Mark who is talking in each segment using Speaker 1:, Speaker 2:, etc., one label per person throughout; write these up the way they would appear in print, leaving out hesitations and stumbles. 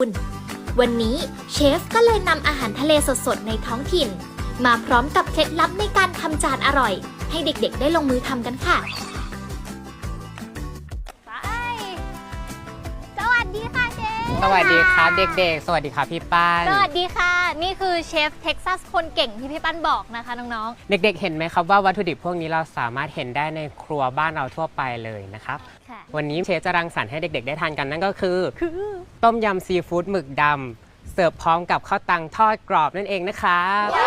Speaker 1: วันนี้เชฟก็เลยนำอาหารทะเลสดๆในท้องถิ่นมาพร้อมกับเคล็ดลับในการทำจานอร่อยให้เด็กๆได้ลงมือทำกันค่ะ
Speaker 2: สวัสดีค่ะเชฟ
Speaker 3: สวัสดีครับเด็กๆ สวัสดีครับพี่ป้าน
Speaker 2: สวัสดีค่ะนี่คือเชฟเท็กซัสคนเก่งที่พี่ปั้นบอกนะคะน้อง
Speaker 3: เด็กๆ เห็นไหมครับว่าวัตถุดิบพวกนี้เราสามารถเห็นได้ในครัวบ้านเราทั่วไปเลยนะครับ
Speaker 2: ๆค่ะ
Speaker 3: วันนี้เชฟจะรังสรรค์ให้เด็กๆ ได้ทานกันนั่นก็คือต้มยำซีฟู้ดหมึกดำเสิร์ฟพร้อมกับข้าวตังทอดกรอบนั่นเองนะครับ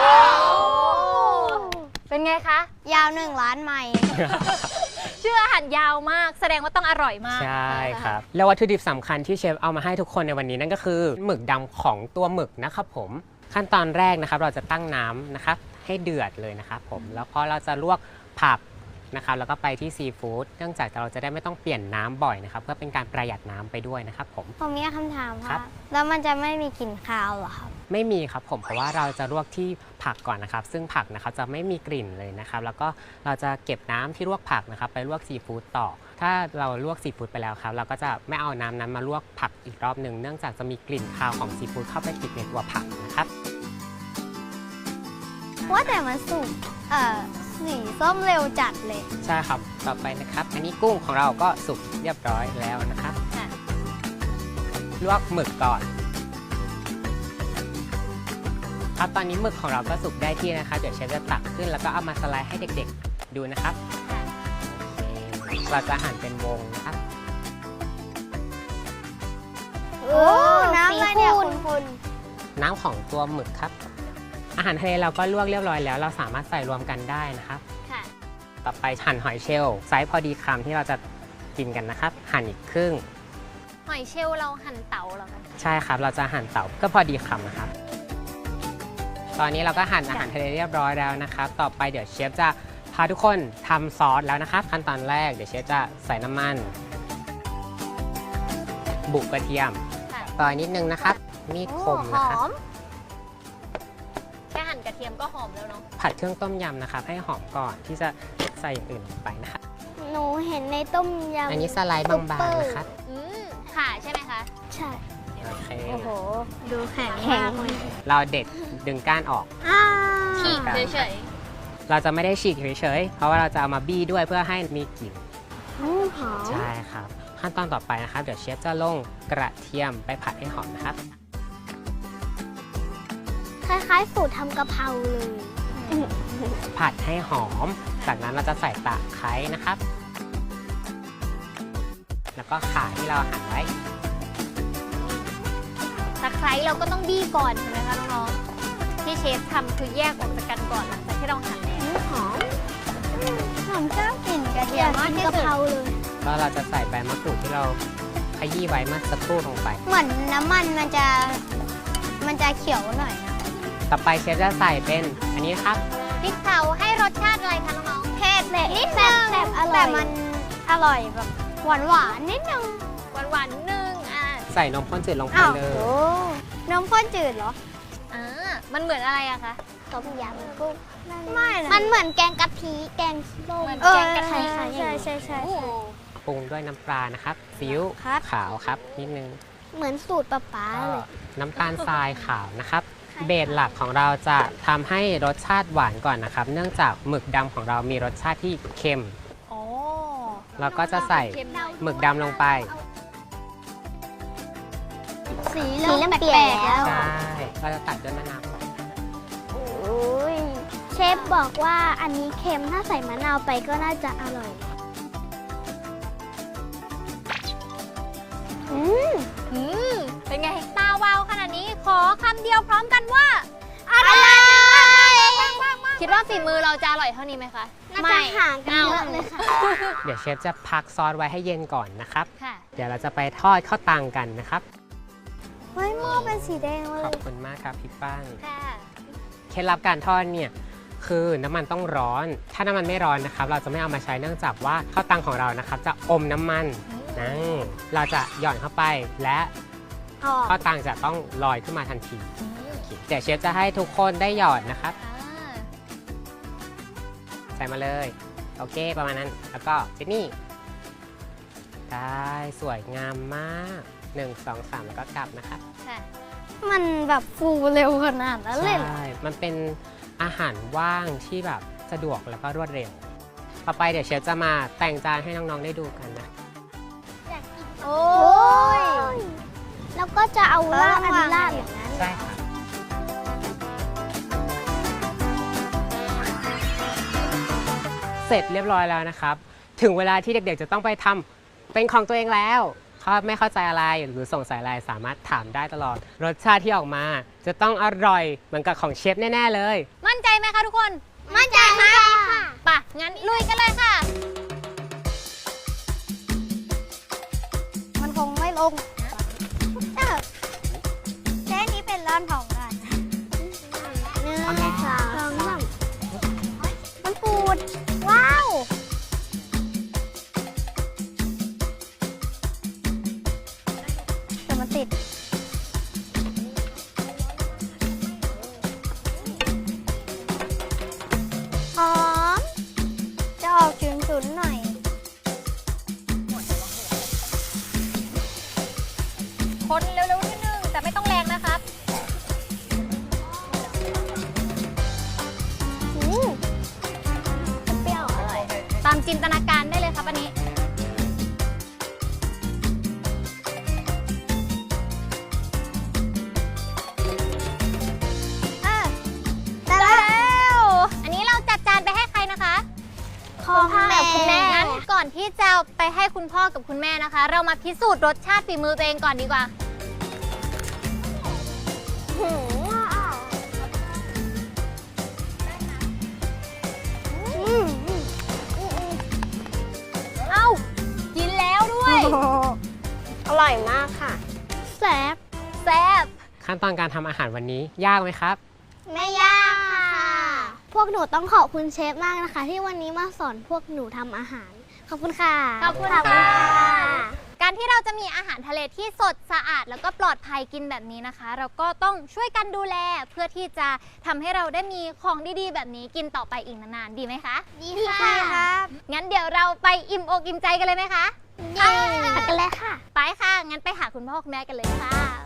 Speaker 2: เป็นไงคะ
Speaker 4: ยาว1 ล้านไมล์
Speaker 2: ชื่ออาหารยาวมากแสดงว่าต้องอร่อยมาก
Speaker 3: ใช่ครับแล้ววัตถุดิบสำคัญที่เชฟเอามาให้ทุกคนในวันนี้นั่นก็คือหมึกดำของตัวหมึกนะครับผมขั้นตอนแรกนะครับเราจะตั้งน้ำนะครับให้เดือดเลยนะครับผมแล้วพอเราจะลวกผักนะครับแล้วก็ไปที่ซีฟู้ดเนื่องจากเราจะได้ไม่ต้องเปลี่ยนน้ำบ่อยนะครับเพื่อเป็นการประหยัดน้ำไปด้วยนะครับผม
Speaker 4: ผมมีคำถาม
Speaker 3: ครั
Speaker 4: ค่ะ
Speaker 3: บ
Speaker 4: แล้วมันจะไม่มีกลิ่นคาวเหรอครับ
Speaker 3: ไม่มีครับผมเพราะว่าเราจะลวกที่ผักก่อนนะครับซึ่งผักนะครับจะไม่มีกลิ่นเลยนะครับแล้วก็เราจะเก็บน้ำที่ลวกผักนะครับไปลวกซีฟู้ดต่อถ้าเราลวกซีฟู้ดไปแล้วครับเราก็จะไม่เอาน้ำนั้นมาลวกผักอีกรอบหนึ่งเนื่องจากจะมีกลิ่นคาวของซีฟู้ดเข้าไปติดในตัวผักนะครับ
Speaker 4: ว่าแต่มันสุกสีส้มเร็วจัดเลย
Speaker 3: ใช่ครับต่อไปนะครับอันนี้กุ้งของเราก็สุกเรียบร้อยแล้วนะครับ
Speaker 2: ค่ะ
Speaker 3: ลวกหมึกก่อนครับตอนนี้หมึกของเราก็สุกได้ที่นะครับเดี๋ยวเชฟจะตักขึ้นแล้วก็เอามาสไลด์ให้เด็กๆดูนะครับโอเคเราจะหั่นเป็นวงนะครับ
Speaker 4: โอ้น้ำอะไรเนี่ยคุณ
Speaker 3: น้ำของตัวหมึกครับอาหารทะเลเราก็ลวกเรียบร้อยแล้วเราสามารถใส่รวมกันได้นะครับ
Speaker 2: ค่ะ
Speaker 3: ต่อไปหั่นหอยเชลล์ไซส์พอดีคำที่เราจะกินกันนะครับหั่นอีกครึ่ง
Speaker 2: หอยเชลล์เราหั่นเต๋าเหรอคะ
Speaker 3: ใช่ครับเราจะหั่นเต๋าก็พอดีคำนะครับตอนนี้เราก็หั่นอาหารทะเลเรียบร้อยแล้วนะครับต่อไปเดี๋ยวเชฟจะพาทุกคนทำซอสแล้วนะครับขั้นตอนแรกเดี๋ยวเชฟจะใส่น้ำมันบุกกระเทียม
Speaker 2: ค่ะ
Speaker 3: ต่อยนิดนึงนะครับมีดคมนะครับ
Speaker 2: แค่หั่นกระเทียมก็หอมแล้วเนาะ
Speaker 3: ผัดเครื่องต้มยำนะครับให้หอมก่อนที่จะใส่อย่างอื่นลงไปนะครับ
Speaker 4: หนูเห็นในต้มยำ
Speaker 3: อันนี้สไลด์บางๆนะครับ
Speaker 2: ค่ะใช่ไหมคะ
Speaker 4: ใช่
Speaker 3: โอเค
Speaker 2: โอ้โห ดูแข็ง
Speaker 4: แข็ง
Speaker 2: มากเลย
Speaker 3: เราเด็ดดึงก้านออก
Speaker 2: ฉีกเฉย
Speaker 3: เราจะไม่ได้ฉีกเฉยๆเพราะว่าเราจะเอามาบี้ด้วยเพื่อให้มีกลิ่น
Speaker 4: หอม
Speaker 3: ใช่ครับขั้นตอนต่อไปนะครับเดี๋ยวเชฟจะลงกระเทียมไปผัดให้หอมนะครับ
Speaker 4: คล้ายๆสูตรทำกะเพราเลย
Speaker 3: ผัดให้หอม จากนั้นเราจะใส่ตะไคร้นะครับ แล้วก็ข่าที่เราหั่นไว้
Speaker 2: ๆตะไคร้เราก็ต้องบี้ก่อนใช่ไหมคะน้องๆที่เชฟทำคือแยกออกจากกันก่อนหลังจากที่เราหั่นแล้ว
Speaker 4: หอมหอมเจ้ากลิ่นกระเทียมมากที่สุดกะเพราเลย
Speaker 3: แล้วเราจะใส่ใบมะกรูดที่เราขยี้ไว้เมื่อสักครู่ลงไป
Speaker 4: เหมือนน้ำมันมันจะเขียวหน่อยนะ
Speaker 3: ต่อไปเชฟจะใส่เป็นอันนี้นะครับ
Speaker 2: พริกเผาให้รสชาติอะไรคะน้อง
Speaker 4: เผ็ดนิดนึงแต่มันอร่อยแบบหวานๆนิดนึง
Speaker 2: ๆหวานๆนึง
Speaker 3: ใส่นมข้นจืดลงไป
Speaker 4: อ้าว
Speaker 3: เลย
Speaker 4: โอ้นมข้นจืดเหรอ
Speaker 2: มันเหมือนอะไรอะคะ
Speaker 4: ต้มยำกุ้งไม่นะมันเหมือนแกงกะทิแกงส้ม
Speaker 2: เหมือนแกงกะทิ
Speaker 4: ใช่ใช่ใช่
Speaker 2: โอ้โห
Speaker 3: ปรุงด้วยน้ำปลานะครับซีอิ๊ว
Speaker 4: ครับ
Speaker 3: ขาวครับนิดนึง
Speaker 4: เหมือนสูตรป๊าๆเลย
Speaker 3: น้ำตาลทรายขาวนะครับ เบสหลักของเราจะทำให้รสชาติหวานก่อนนะครับ เนื่องจากหมึกดำของเรามีรสชาติที่เค็ม
Speaker 2: โอ้
Speaker 3: เราก็จะใส่
Speaker 2: เค็มหน่อย
Speaker 3: หมึกดำลงไป
Speaker 4: สีเริ่มเปลี่ยนแล้ว
Speaker 3: ใช่เราจะตัดด้วยมะนาวก่อน
Speaker 4: โอ้ยเชฟบอกว่าอันนี้เค็มถ้าใส่มะนาวไปก็น่าจะอร่อยอืม
Speaker 2: เป็นไงตาวาวขนาดนี้ขอคำเดียวพร้อมกันว่า
Speaker 4: อร่อย
Speaker 2: คิดว่าฝีมือเราจะอร่อยเท่านี้ไหมคะ
Speaker 4: น่าจะห่างกันเยอะเลยค่ะ
Speaker 3: เดี๋ยวเชฟจะพักซอสไว้ให้เย็นก่อนนะครับ
Speaker 2: ค่ะ
Speaker 3: เดี๋ยวเราจะไปทอดข้าวตังกันนะครับ
Speaker 4: เฮ้ยหม้อเป็นสีแดงเล
Speaker 3: ขอย บคุณมากครับพี่ป้าน
Speaker 2: ค่ะ
Speaker 3: เคล็ดลับการทอดเนี่ยคือน้ำมันต้องร้อน ถ้าน้ำมันไม่ร้อนนะครับ เราจะไม่เอามาใช้เนื่องจากว่าข้าวตังของเรานะครับ จะอมน้ำมันนั่นเราจะหย่อนเข้าไปและข้าวตังจะต้องลอยขึ้นมาทันทีเดี๋ยวเชฟจะให้ทุกคนได้หยอดนะครับ ใส่มาเลยโอเคประมาณนั้นแล้วก็เจนนี่ได้สวยงามมาก 1 2 3แล้วก็กลับนะครับ
Speaker 2: ค่ะ
Speaker 4: มันแบบฟูเร็วขนาดนั้นเลยเหรอ
Speaker 3: ใช่ มันเป็นอาหารว่างที่แบบสะดวกแล้วก็รวดเร็ว ต่อไปเดี๋ยวเชฟจะมาแต่งจานให้น้องๆได้ดูกันนะ
Speaker 2: โอ้ย
Speaker 4: แล้วก็จะเอาราดอันนี้ราดอย่างนั้น
Speaker 3: ใช่ค่ะเสร็จเรียบร้อยแล้วนะครับ ถึงเวลาที่เด็กๆจะต้องไปทำเป็นของตัวเองแล้วถ้าไม่เข้าใจอะไรหรือสงสัยอะไรสามารถถามได้ตลอด รสชาติที่ออกมาจะต้องอร่อยเหมือนกับของเชฟแน่ๆเลย
Speaker 2: มั่นใจไหมคะทุกคน
Speaker 4: มั่นใจค่ะ
Speaker 2: ป่ะ งั้นลุยกันเลยค่ะ
Speaker 4: มันคงไม่ลงแค่นี้เป็นร้านของกันหนึ่ง
Speaker 3: โอเค
Speaker 4: สองสามมันปูด ว้าวแต่มันติด หอม จะออกฉุนๆหน่อย
Speaker 2: คนเร็วๆนิดนึง แต่ไม่ต้องแรงนะครับ
Speaker 4: เปรี้ยวอร่อย
Speaker 2: ตามจินตนาการได้เลยครับอันนี้
Speaker 4: ได้แล้ว
Speaker 2: อันนี้เราจัดจานไปให้ใครนะคะ
Speaker 4: ของแม่
Speaker 2: คุณแม่งั้นก่อนที่จะไปให้คุณพ่อกับคุณแม่นะคะ เรามาพิสูจน์รสชาติฝีมือตัวเองก่อนดีกว่า เอ้า กินแล้วด้วย
Speaker 4: อร่อยมากค่ะแซ่บ
Speaker 2: แซ่บ
Speaker 3: ขั้นตอนการทำอาหารวันนี้ยากไหมครับ
Speaker 4: ไม่ยากค่ะ พวกหนูต้องขอบคุณเชฟมากนะคะ ที่วันนี้มาสอนพวกหนูทำอาหาร ขอบคุณค่ะ
Speaker 2: ขอบคุณค่ะ การที่เราจะมีอาหารทะเลที่สดสะอาดแล้วก็ปลอดภัยกินแบบนี้นะคะ เราก็ต้องช่วยกันดูแลเพื่อที่จะทำให้เราได้มีของดีๆ แบบนี้กินต่อไปอีกนานๆ ดีไหมคะ
Speaker 4: ดีค่ะครับ
Speaker 2: งั้นเดี๋ยวเราไปอิ่มอกอิ่มใจกันเลยไหมคะ
Speaker 4: เย้กันเลยค่ะ
Speaker 2: ไปค่ะ งั้นไปหาคุณพ่อคุณแม่กันเลยค่ะ